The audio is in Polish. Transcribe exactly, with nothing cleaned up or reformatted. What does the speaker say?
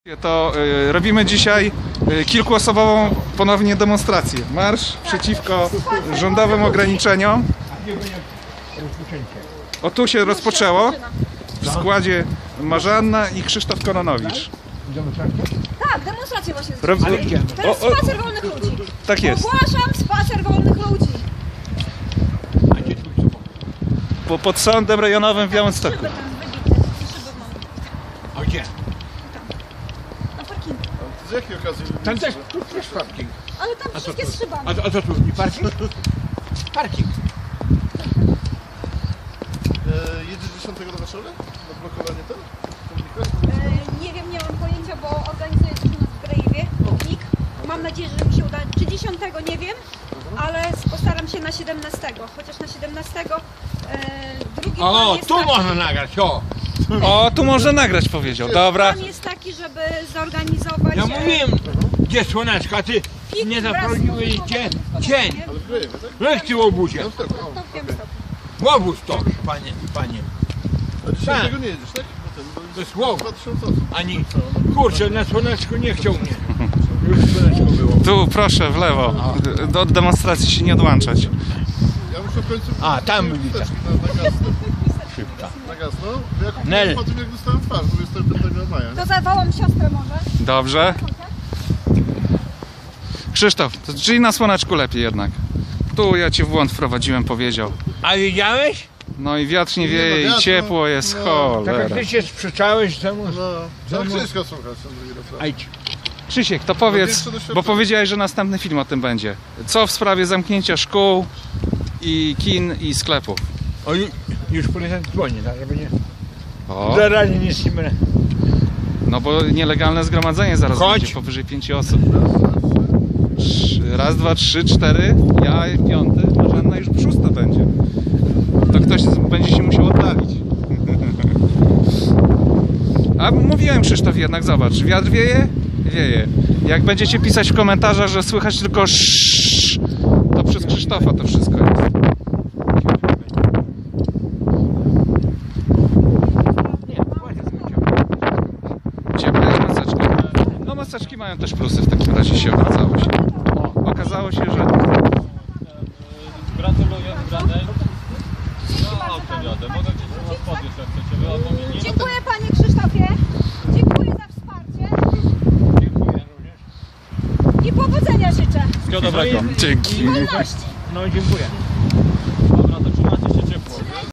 To y, robimy dzisiaj y, kilkuosobową ponownie demonstrację. Marsz przeciwko rządowym ograniczeniom. O, tu się rozpoczęło w składzie Marzanna i Krzysztof Kononowicz. Tak, demonstrację właśnie Rob... zrobiliśmy. To jest O, o, spacer wolnych ludzi. tak jest. Ogłaszam spacer wolnych ludzi. Po, pod sądem rejonowym w Białymstoku. Szyby tam wybite. Szyby mam. A gdzie? Na parkingu. Z jakiej okazji? Tam też, tu też parking. Ale tam wszystkie z szybami. A, a co tu? Nie parking? Parking. E, jedziesz dziesiątego do Warszawy? Na blokowanie ten? E, nie wiem, nie mam pojęcia, bo organizuję coś u nas w Grajewie. Piknik. Mam nadzieję, że mi się uda. Czy dziesiątego nie wiem, ale postaram się na siedemnastego. Chociaż na siedemnastego e, drugi plan O, jest tu taki, można nagrać, o! O, tu można nagrać, powiedział. Dobra. plan jest taki, żeby zorganizować... Ja e, mówiłem, gdzie słoneczko, a ty piknik nie wraz z zaprowadziłeś muzyką cię w cień. nie? Ale w Grajewie, tak? No jak ty w obudzie? No tak, o. To w Białymstoku. Łobuz to, panie, panie. A dziesiątego nie jedziesz, tak? No ten, bo To jest łobuz. dwa tysiące osób. Ani, kurczę, na słoneczko nie chciał mnie. Już słoneczko było. Tu, proszę, w lewo. Do od demonstracji się nie odłączać. Ja muszę w końcu... A, tam byli tak. Na, na gasno. Szybka. Na gasno. Bo ja Nel. kupiłem po tym, jak dostałem twarz, dwudziestego piątego maja. To zawołam siostrę może. Dobrze. Krzysztof, to czyli na słoneczku lepiej jednak. Tu ja cię w błąd wprowadziłem, powiedział. A wiedziałeś? No i wiatr nie Nie, no wieje i wiatr, ciepło jest, no. Tak jak cholera. ty się sprzeczałeś temu... No, trzeba Czemu? Krzyśka słuchać, ten drugi raz. Ajdź. Krzysiek, to powiedz, większe doświadczenie. bo powiedziałeś, że następny film o tym będzie. Co w sprawie zamknięcia szkół i kin i sklepów? O, ju- już policjant dzwoni, tak, żeby nie... O, Zaraz nic nie będę. no bo nielegalne zgromadzenie zaraz Chodź. będzie powyżej pięciu osób. Trzy- Raz, dwa, trzy, cztery, ja piąty, Marzanna już szósta będzie. To ktoś z- będzie się musiał oddalić. A mówiłem, Krzysztof, jednak zobacz, wiatr wieje? Wieje. Jak będziecie pisać w komentarzach, że słychać tylko sz, to przez Krzysztofa to wszystko jest. Ciepłe jest maseczka. No maseczki mają też plusy, w takim razie się okazało się. Okazało się, że... Gratuluję wygranej. Ja autem jadę. Mogę gdzieś do was podjeść, jak chcecie. Wy albo mnie nie. Dziękuję panie Krzysztofie. Dziękuję za wsparcie. Dziękuję również. I powodzenia życzę. Wszystkiego dobrego. Dzięki. Wolności. No dziękuję.